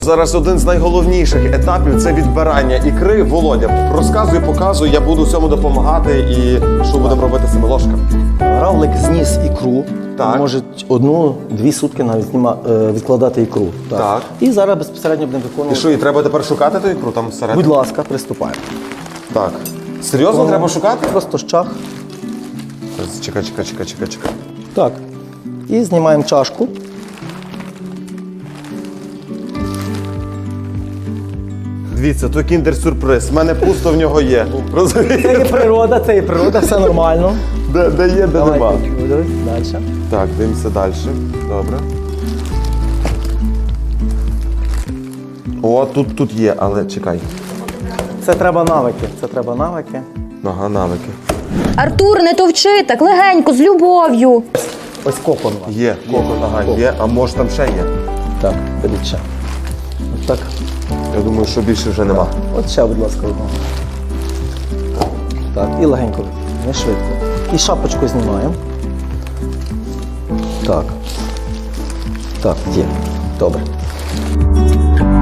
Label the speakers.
Speaker 1: Зараз один з найголовніших етапів – це відбирання ікри. Володя, розказуй, показуй, я буду всьому допомагати і що будемо робити з цими ложками.
Speaker 2: Равлик зніс ікру,
Speaker 1: Так.
Speaker 2: може 1-2 сутки навіть відкладати ікру.
Speaker 1: Так.
Speaker 2: І зараз безпосередньо будемо
Speaker 1: І
Speaker 2: виконувати.
Speaker 1: що, і треба тепер шукати ту ікру там всередині?
Speaker 2: Будь ласка, приступаємо.
Speaker 1: Так. Серйозно треба шукати?
Speaker 2: Просто щах.
Speaker 1: Чекай.
Speaker 2: Так. І знімаємо чашку.
Speaker 1: Дивіться, то кіндер-сюрприз. В мене пусто в нього є.
Speaker 2: Це
Speaker 1: Розумієте?
Speaker 2: є природа, все нормально.
Speaker 1: Де є, де нема.
Speaker 2: Далі.
Speaker 1: Так, дивимося далі. Добре. О, тут є, але чекай.
Speaker 2: Це треба навики.
Speaker 1: Ага, навики.
Speaker 3: Артур, не товчи, так легенько, з любов'ю.
Speaker 2: Ось кокон.
Speaker 1: Є, кокон, ага, є, а може там ще є?
Speaker 2: Так, беріть ще. От так.
Speaker 1: Я думаю, що більше вже нема.
Speaker 2: От ще, будь ласка, одного. Так, і легенько, не швидко. І шапочку знімаємо. Так. Так, є. Добре.